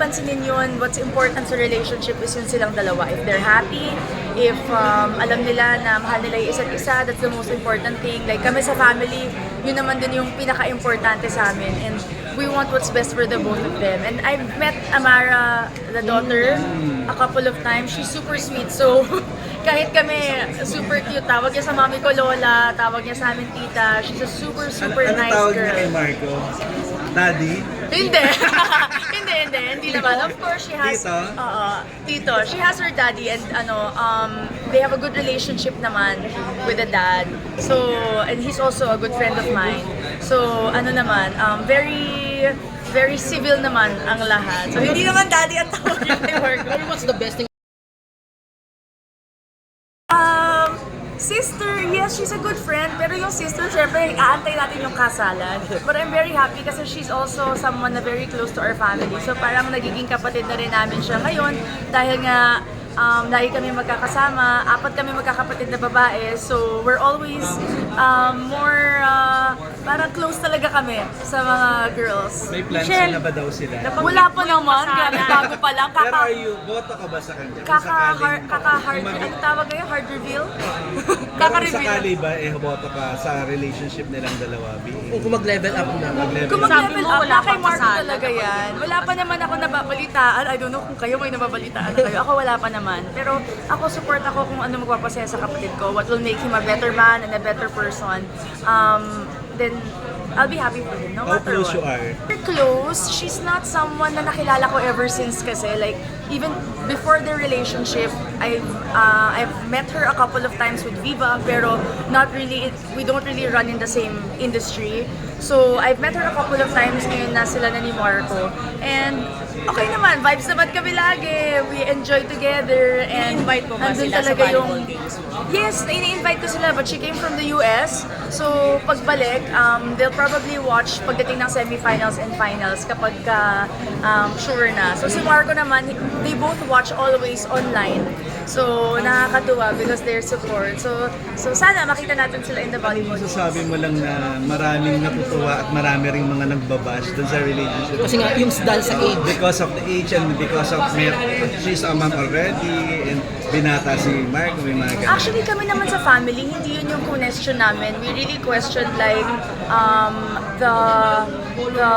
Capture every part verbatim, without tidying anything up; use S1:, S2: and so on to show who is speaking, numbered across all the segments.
S1: pansinin yun. What's important sa relationship is yun silang dalawa. If they're happy, if um, alam nila na mahal nila yung isa't isa, that's the most important thing. Like kami sa family, yun naman din yung pinaka-importante sa amin. And we want what's best for the both of them. And I've met Amara, the daughter, a couple of times. She's super sweet. So, kahit kami super cute, tawag niya sa mami ko Lola, tawag niya sa amin tita. She's a super, super
S2: ano,
S1: nice
S2: ano tawag
S1: girl.
S2: niya kay Marco? Daddy?
S1: Hindi. Hindi, hindi. Hindi naman. Of course, she has...
S2: Tito?
S1: Oo. Tito. She has her daddy and ano, um, they have a good relationship naman with the dad. So, and he's also a good friend of mine. So, ano naman, um, very, very civil naman ang lahat. So, hindi naman daddy ang tawag niya kay Marco.
S3: What's the best thing?
S1: Um, sister, yes, she's a good friend. Pero yung sister, syempre, aantay natin yung kasalan. But I'm very happy kasi she's also someone na very close to our family. So parang nagiging kapatid na rin namin siya ngayon dahil nga um, lagi kami magkakasama. Apat kami magkakapatid na babae. So we're always um, more, uh, parang close talaga kami sa mga girls.
S2: May plans
S1: Michelle,
S2: na ba daw sila?
S1: wala pa naman, grabe, bago pa lang.
S2: Pero
S1: Kaka,
S2: are you, boto ka ba sa kanya? Kung
S1: kaka,
S2: sakaling-
S1: hard, kaka hard,
S2: Kung mag-
S1: ano tawag ngayon? Hard reveal?
S2: Pero
S1: Kaka
S2: kung
S1: reveal.
S2: sakali ba, eh, boto ka sa relationship nilang dalawa? Being,
S3: Kung mag-level up na.
S2: mag-level
S1: Kung
S2: up?
S1: mag-level
S4: mo,
S1: up,
S4: wala
S1: na kay
S4: pang
S1: Marco
S4: kasal.
S1: talaga yan. Wala pa naman ako nababalitaan. I don't know kung kayo may nababalitaan na kayo. Ako wala pa naman. Pero ako support ako kung ano magpapasaya sa kapatid ko. What will make him a better man and a better person. Um, then I'll be happy for him, no
S2: How
S1: matter
S2: close
S1: what.
S2: you are?
S1: We're close. She's not someone na nakilala ko ever since kasi. Like, even before their relationship, I've, uh, I've met her a couple of times with Viva, pero not really, we don't really run in the same industry. So, I've met her a couple of times ngayon na sila na ni Marco. And, okay naman, vibes naman kami lagi. We enjoy together. And
S4: I-invite mo ba
S1: andun
S4: sila sa
S1: talaga
S4: volleyball games?
S1: Yes, ini-invite ko sila but she came from the U S. So pagbalik, um, they'll probably watch pagdating ng semifinals and finals kapag ka, um, sure na. So si Marco naman, they both watch always online. So nakakatuwa because their support. So so sana makita natin sila in the volleyball.
S2: Masasabi mo lang na maraming natutuwa at marami ring mga nagbabash dun sa relationship.
S3: Kasi nga, yung dahil sa age.
S2: Because of the age and because of mer- she's a mom already and binata si Mark, may mga ganun.
S1: Actually, kami naman sa family, hindi yun yung question namin. We really questioned like um, the the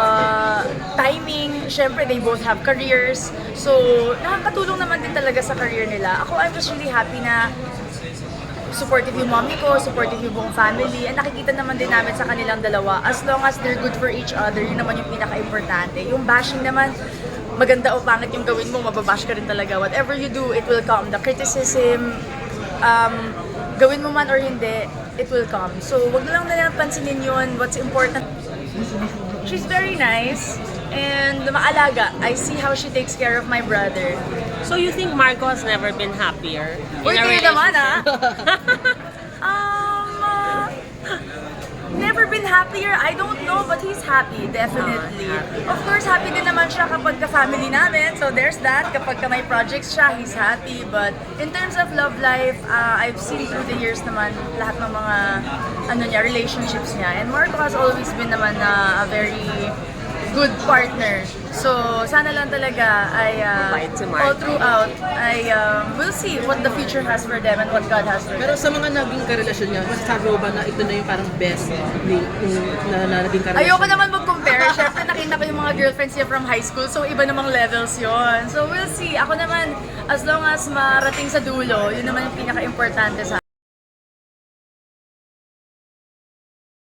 S1: timing. Siyempre, they both have careers. So, nakakatulong naman din talaga sa career nila. Ako, I'm just really happy na supportive yung mommy ko, supportive yung buong family, and nakikita naman din namin sa kanilang dalawa. As long as they're good for each other, yun naman yung pinaka-importante. Yung bashing naman, maganda o pangit yung gawin mo, mababash ka rin talaga. Whatever you do, it will come. The criticism, um, gawin mo man or hindi, it will come. So, wag na lang na lang pansinin yun. What's important, she's very nice and maalaga. I see how she takes care of my brother.
S4: So you think Marco has never been happier in
S1: Uy,
S4: a
S1: kayo naman
S4: relationship?
S1: ah! um, uh, never been happier. I don't know, but he's happy, definitely. Of course, happy din naman siya kapag ka-family namin. So there's that. Kapag ka may projects siya, he's happy. But in terms of love life, uh, I've seen through the years naman lahat ng mga ano niya, relationships niya. And Marco has always been naman uh, a very good partner. So, sana lang talaga ay uh,
S4: Mabait si Marco.
S1: all throughout ay um, we'll see what the future has for them and what God has for them.
S3: Pero sa mga naging karelasyon niya, masasabi mo ba na ito na yung parang best ni, yung, na, na naging karelasyon?
S1: Ayoko naman mag-compare. Siyempre, nakita ko yung mga girlfriends niya from high school, so iba namang levels yon. So, we'll see. Ako naman, as long as marating sa dulo, yun naman yung pinaka-importante sa